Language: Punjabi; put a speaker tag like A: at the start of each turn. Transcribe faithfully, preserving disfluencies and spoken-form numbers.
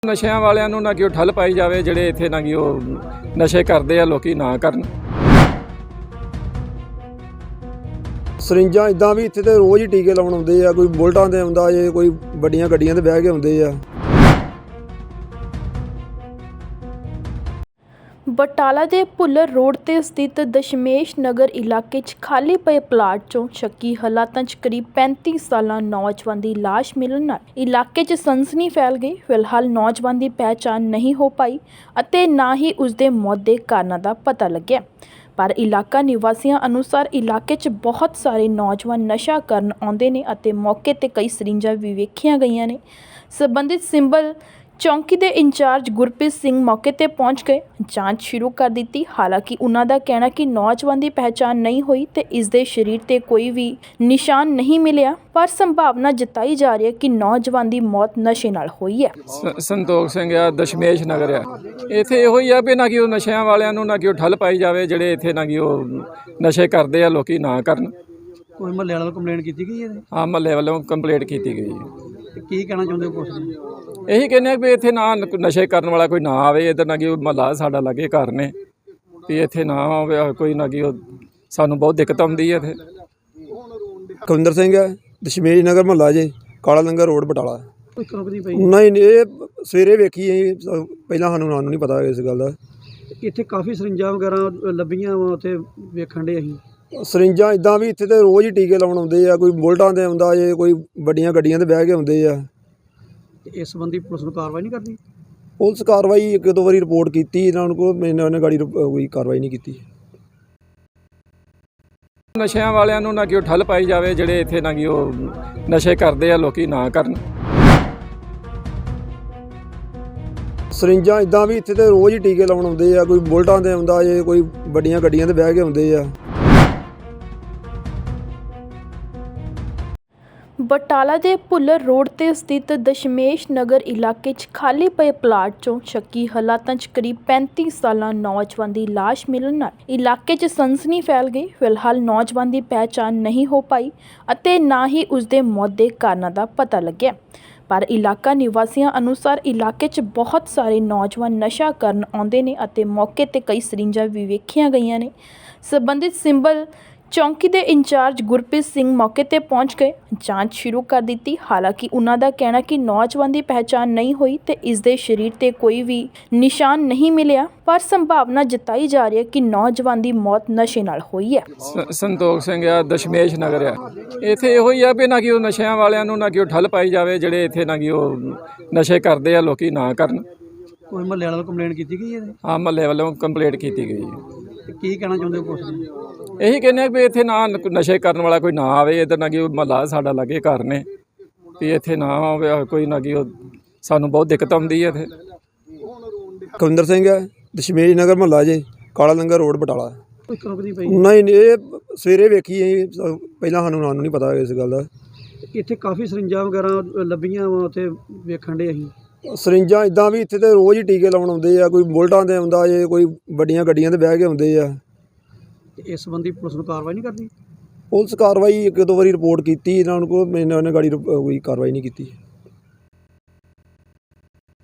A: ਨਸ਼ਿਆਂ ਵਾਲਿਆਂ ਨੂੰ ਨਾ ਕਿ ਉਹ ਠੱਲ ਪਾਈ ਜਾਵੇ, ਜਿਹੜੇ ਇੱਥੇ ਨਾ ਕਿ ਉਹ ਨਸ਼ੇ ਕਰਦੇ ਆ ਲੋਕੀ ਨਾ ਕਰਨ।
B: ਸਰਿੰਜਾਂ ਇਦਾਂ ਵੀ ਇੱਥੇ ਤੇ ਰੋਜ਼ ਹੀ ਟੀਕੇ ਲਾਉਣ ਆਉਂਦੇ ਆ, ਕੋਈ ਬੁਲਟਾਂ ਤੇ ਆਉਂਦਾ ਜੇ, ਕੋਈ ਵੱਡੀਆਂ ਗੱਡੀਆਂ ਤੇ ਬਹਿ ਕੇ ਆਉਂਦੇ ਆ।
C: ਬਟਾਲਾ ਦੇ ਭੁੱਲਰ ਰੋਡ ਤੇ ਸਥਿਤ ਦਸ਼ਮੇਸ਼ ਨਗਰ ਇਲਾਕੇ 'ਚ ਖਾਲੀ ਪਏ ਪਲਾਟ 'ਚੋਂ ਸ਼ੱਕੀ ਹਾਲਾਤਾਂ 'ਚ ਕਰੀਬ ਪੈਂਤੀ ਸਾਲਾ ਨੌਜਵਾਨ ਦੀ ਲਾਸ਼ ਮਿਲਣ ਨਾਲ ਇਲਾਕੇ 'ਚ ਸਨਸਨੀ ਫੈਲ ਗਈ। ਫਿਲਹਾਲ ਨੌਜਵਾਨ ਦੀ ਪਹਿਚਾਣ ਨਹੀਂ ਹੋ ਪਾਈ ਅਤੇ ਨਾ ਹੀ ਉਸ ਦੇ ਮੌਤ ਦੇ ਕਾਰਨਾਂ ਦਾ ਪਤਾ ਲੱਗਿਆ। ਪਰ ਇਲਾਕਾ ਨਿਵਾਸੀਆਂ ਅਨੁਸਾਰ ਇਲਾਕੇ 'ਚ ਬਹੁਤ ਸਾਰੇ ਨੌਜਵਾਨ ਨਸ਼ਾ ਕਰਨ ਆਉਂਦੇ ਨੇ ਅਤੇ ਮੌਕੇ ਤੇ ਕਈ ਸਰਿੰਜਾਂ ਵੀ ਵੇਖੀਆਂ ਗਈਆਂ ਨੇ। ਸੰਬੰਧਿਤ ਸਿੰਬਲ ਚੌਂਕੀ ਦੇ ਇੰਚਾਰਜ ਗੁਰਪ੍ਰੀਤ ਸਿੰਘ ਮੌਕੇ ਤੇ ਪਹੁੰਚ ਗਏ, ਜਾਂਚ ਸ਼ੁਰੂ ਕਰ ਦਿੱਤੀ। ਹਾਲਾਂਕਿ ਉਹਨਾਂ ਦਾ ਕਹਿਣਾ ਕਿ ਨੌਜਵਾਨ ਦੀ ਪਹਿਚਾਣ ਨਹੀਂ ਹੋਈ ਤੇ ਇਸ ਦੇ ਸਰੀਰ ਤੇ ਕੋਈ ਵੀ ਨਿਸ਼ਾਨ ਨਹੀਂ ਮਿਲਿਆ, ਪਰ ਸੰਭਾਵਨਾ ਜਤਾਈ ਜਾ ਰਹੀ ਹੈ ਕਿ ਨੌਜਵਾਨ ਦੀ ਮੌਤ ਨਸ਼ੇ ਨਾਲ ਹੋਈ ਹੈ।
A: ਸੰਤੋਖ ਸਿੰਘ ਆ, ਦਸ਼ਮੇਸ਼ ਨਗਰ ਆ। ਇੱਥੇ ਇਹੋ ਹੀ ਆ ਵੀ ਨਾ ਕਿ ਉਹ ਨਸ਼ਿਆਂ ਵਾਲਿਆਂ ਨੂੰ ਨਾ ਕਿ ਉਹ ਠੱਲ ਪਾਈ ਜਾਵੇ, ਜਿਹੜੇ ਇੱਥੇ ਨਾ ਕਿ ਉਹ ਨਸ਼ੇ ਕਰਦੇ ਆ ਲੋਕੀ ਨਾ ਕਰਨ।
D: ਕੋਈ ਮਹੱਲੇ ਵਾਲਿਆਂ ਨੂੰ ਕੰਪਲੇਂਟ ਕੀਤੀ ਗਈ ਹੈ?
A: ਹਾਂ, ਮਹੱਲੇ ਵੱਲੋਂ ਕੰਪਲੇਂਟ ਕੀਤੀ ਗਈ ਹੈ।
D: ਤੇ ਕੀ ਕਹਿਣਾ ਚਾਹੁੰਦੇ ਹੋ ਪੁਲਿਸ ਨੂੰ?
A: ਇਹੀ ਕਹਿੰਦੇ ਆ ਵੀ ਇੱਥੇ ਨਾ ਨਸ਼ੇ ਕਰਨ ਵਾਲਾ ਕੋਈ ਨਾ ਆਵੇ, ਇੱਧਰ ਨਾ ਕਿ ਮਹੱਲਾ ਸਾਡਾ ਲਾਗੇ ਘਰ ਨੇ, ਵੀ ਇੱਥੇ ਨਾ ਆਵੇ ਕੋਈ ਨਾ ਕਿ ਉਹ ਸਾਨੂੰ ਬਹੁਤ ਦਿੱਕਤ ਆਉਂਦੀ ਹੈ ਇੱਥੇ।
B: ਕੁਲਵਿੰਦਰ ਸਿੰਘ ਹੈ, ਦਸ਼ਮੇਸ਼ ਨਗਰ ਮਹੱਲਾ ਜੇ, ਕਾਲਾ ਲੰਗਰ ਰੋਡ ਬਟਾਲਾ।
D: ਕੋਈ ਰੁਕਦੀ ਪਈ
B: ਨਹੀਂ ਨਹੀਂ, ਇਹ ਸਵੇਰੇ ਵੇਖੀ ਅਸੀਂ, ਪਹਿਲਾਂ ਸਾਨੂੰ ਨਾਂ ਨੂੰ ਨਹੀਂ ਪਤਾ ਇਸ ਗੱਲ ਦਾ।
D: ਇੱਥੇ ਕਾਫੀ ਸਰਿੰਜਾਂ ਵਗੈਰਾ ਲੱਭੀਆਂ ਵਾ, ਉੱਥੇ ਵੇਖਣ ਦੇ ਅਸੀਂ।
B: ਸਰਿੰਜਾਂ ਇਦਾਂ ਵੀ ਇੱਥੇ ਤੇ ਰੋਜ਼ ਹੀ ਟੀਕੇ ਲਾਉਣ ਆਉਂਦੇ ਆ, ਕੋਈ ਬੁਲਟਾਂ ਤੇ ਆਉਂਦਾ ਜੇ, ਕੋਈ ਵੱਡੀਆਂ ਗੱਡੀਆਂ ਤੇ ਬਹਿ ਕੇ ਆਉਂਦੇ ਆ।
D: ਤੇ ਇਸ ਸੰਬੰਧੀ ਪੁਲਿਸ ਨੂੰ ਕਾਰਵਾਈ ਨਹੀਂ ਕਰਦੀ?
B: ਪੁਲਿਸ ਕਾਰਵਾਈ ਇੱਕ ਦੋ ਵਾਰੀ ਰਿਪੋਰਟ ਕੀਤੀ ਇਹਨਾਂ ਨੂੰ, ਕੋਈ ਇਹਨਾਂ ਨੇ ਗਾੜੀ ਕੋਈ ਕਾਰਵਾਈ ਨਹੀਂ ਕੀਤੀ।
A: ਨਸ਼ਿਆਂ ਵਾਲਿਆਂ ਨੂੰ ਨਾ ਕਿ ਉਹ ਠੱਲ ਪਾਈ ਜਾਵੇ, ਜਿਹੜੇ ਇੱਥੇ ਨਾ ਕਿ ਉਹ ਨਸ਼ੇ ਕਰਦੇ ਆ ਲੋਕੀ ਨਾ ਕਰਨ।
B: ਸਰਿੰਜਾਂ ਇਦਾਂ ਵੀ ਇੱਥੇ ਤੇ ਰੋਜ਼ ਹੀ ਟੀਕੇ ਲਾਉਣ ਆਉਂਦੇ ਆ, ਕੋਈ ਬੁਲਟਾਂ ਤੇ ਆਉਂਦਾ ਜੇ, ਕੋਈ ਵੱਡੀਆਂ ਗੱਡੀਆਂ ਤੇ ਬਹਿ ਕੇ ਆਉਂਦੇ ਆ।
C: ਬਟਾਲਾ ਦੇ ਭੁੱਲਰ ਰੋਡ ਤੇ ਸਥਿਤ ਦਸ਼ਮੇਸ਼ ਨਗਰ ਇਲਾਕੇ 'ਚ ਖਾਲੀ ਪਏ ਪਲਾਟ 'ਚੋਂ ਸ਼ੱਕੀ ਹਾਲਾਤਾਂ 'ਚ ਕਰੀਬ ਪੈਂਤੀ ਸਾਲਾ ਨੌਜਵਾਨ ਦੀ ਲਾਸ਼ ਮਿਲਣ ਨਾਲ ਇਲਾਕੇ 'ਚ ਸਨਸਨੀ ਫੈਲ ਗਈ। ਫਿਲਹਾਲ ਨੌਜਵਾਨ ਦੀ ਪਹਿਚਾਣ ਨਹੀਂ ਹੋ ਪਾਈ ਅਤੇ ਨਾ ਹੀ ਉਸ ਦੇ ਮੌਤ ਦੇ ਕਾਰਨਾਂ ਦਾ ਪਤਾ ਲੱਗਿਆ। ਪਰ ਇਲਾਕਾ ਨਿਵਾਸੀਆਂ ਅਨੁਸਾਰ ਇਲਾਕੇ 'ਚ ਬਹੁਤ ਸਾਰੇ ਨੌਜਵਾਨ ਨਸ਼ਾ ਕਰਨ ਆਉਂਦੇ ਨੇ ਅਤੇ ਮੌਕੇ ਤੇ ਕਈ ਸਰਿੰਜਾਂ ਵੀ ਵੇਖੀਆਂ ਗਈਆਂ ਨੇ। ਸੰਬੰਧਿਤ ਸਿੰਬਲ ਚੌਂਕੀ ਦੇ ਇੰਚਾਰਜ ਗੁਰਪ੍ਰੀਤ ਸਿੰਘ ਮੌਕੇ ਤੇ ਪਹੁੰਚ ਗਏ, ਜਾਂਚ ਸ਼ੁਰੂ ਕਰ ਦਿੱਤੀ। ਹਾਲਾਂਕਿ ਉਹਨਾਂ ਦਾ ਕਹਿਣਾ ਕਿ ਨੌਜਵਾਨ ਦੀ ਪਹਿਚਾਣ ਨਹੀਂ ਹੋਈ ਤੇ ਇਸ ਦੇ ਸਰੀਰ ਤੇ ਕੋਈ ਵੀ ਨਿਸ਼ਾਨ ਨਹੀਂ ਮਿਲਿਆ, ਪਰ ਸੰਭਾਵਨਾ ਜਤਾਈ ਜਾ ਰਹੀ ਹੈ ਕਿ ਨੌਜਵਾਨ ਦੀ ਮੌਤ ਨਸ਼ੇ ਨਾਲ ਹੋਈ ਹੈ।
A: ਸੰਤੋਖ ਸਿੰਘ ਆ, ਦਸ਼ਮੇਸ਼ ਨਗਰ ਆ। ਇੱਥੇ ਇਹੋ ਹੀ ਆ ਵੀ ਨਾ ਕਿ ਉਹ ਨਸ਼ਿਆਂ ਵਾਲਿਆਂ ਨੂੰ ਨਾ ਕਿ ਉਹ ਠੱਲ ਪਾਈ ਜਾਵੇ, ਜਿਹੜੇ ਇੱਥੇ ਨਾ ਕਿ ਉਹ ਨਸ਼ੇ ਕਰਦੇ ਆ ਲੋਕੀ ਨਾ ਕਰਨ।
D: ਕੋਈ ਮਹੱਲੇ ਵਾਲਿਆਂ ਨੂੰ ਕੰਪਲੇਂਟ ਕੀਤੀ ਗਈ ਹੈ?
A: ਹਾਂ, ਮਹੱਲੇ ਵੱਲੋਂ ਕੰਪਲੇਂਟ ਕੀਤੀ ਗਈ ਹੈ।
D: ਤੇ ਕੀ ਕਹਿਣਾ ਚਾਹੁੰਦੇ ਹੋ ਪੁਲਿਸ ਨੂੰ?
A: ਇਹੀ ਕਹਿੰਦੇ ਆ ਵੀ ਇੱਥੇ ਨਾ ਨਸ਼ੇ ਕਰਨ ਵਾਲਾ ਕੋਈ ਨਾ ਆਵੇ, ਇੱਧਰ ਨਾ ਕਿ ਮਹੱਲਾ ਸਾਡਾ ਲਾਗੇ ਘਰ ਨੇ, ਵੀ ਇੱਥੇ ਨਾ ਆਵੇ ਕੋਈ ਨਾ ਕਿ ਉਹ ਸਾਨੂੰ ਬਹੁਤ ਦਿੱਕਤ ਆਉਂਦੀ ਹੈ ਇੱਥੇ।
B: ਕੁਲਵਿੰਦਰ ਸਿੰਘ ਹੈ, ਦਸ਼ਮੇਸ਼ ਨਗਰ ਮਹੱਲਾ ਜੇ, ਕਾਲਾ ਲੰਗਰ ਰੋਡ ਬਟਾਲਾ।
D: ਕੋਈ ਰੁਕਦੀ ਪਈ
B: ਨਹੀਂ ਨਹੀਂ, ਇਹ ਸਵੇਰੇ ਵੇਖੀ ਅਸੀਂ, ਪਹਿਲਾਂ ਸਾਨੂੰ ਨਾਂ ਨੂੰ ਨਹੀਂ ਪਤਾ ਇਸ ਗੱਲ ਦਾ।
D: ਇੱਥੇ ਕਾਫੀ ਸਰਿੰਜਾਂ ਵਗੈਰਾ ਲੱਭੀਆਂ ਵਾ, ਉੱਥੇ ਵੇਖਣ ਦੇ ਅਸੀਂ।
B: ਸਰਿੰਜਾਂ ਇਦਾਂ ਵੀ ਇੱਥੇ ਤੇ ਰੋਜ਼ ਹੀ ਟੀਕੇ ਲਾਉਣ ਆਉਂਦੇ ਆ, ਕੋਈ ਬੁਲਟਾਂ ਤੇ ਆਉਂਦਾ ਜੇ, ਕੋਈ ਵੱਡੀਆਂ ਗੱਡੀਆਂ ਤੇ ਬਹਿ ਕੇ ਆਉਂਦੇ ਆ।
D: ਤੇ ਇਸ ਸੰਬੰਧੀ ਪੁਲਿਸ ਨੂੰ ਕਾਰਵਾਈ ਨਹੀਂ ਕਰਦੀ?
B: ਪੁਲਿਸ ਕਾਰਵਾਈ ਇੱਕ ਦੋ ਵਾਰੀ ਰਿਪੋਰਟ ਕੀਤੀ ਇਹਨਾਂ ਨੂੰ, ਕੋਈ ਇਹਨਾਂ ਨੇ ਗਾੜੀ ਕੋਈ ਕਾਰਵਾਈ ਨਹੀਂ ਕੀਤੀ।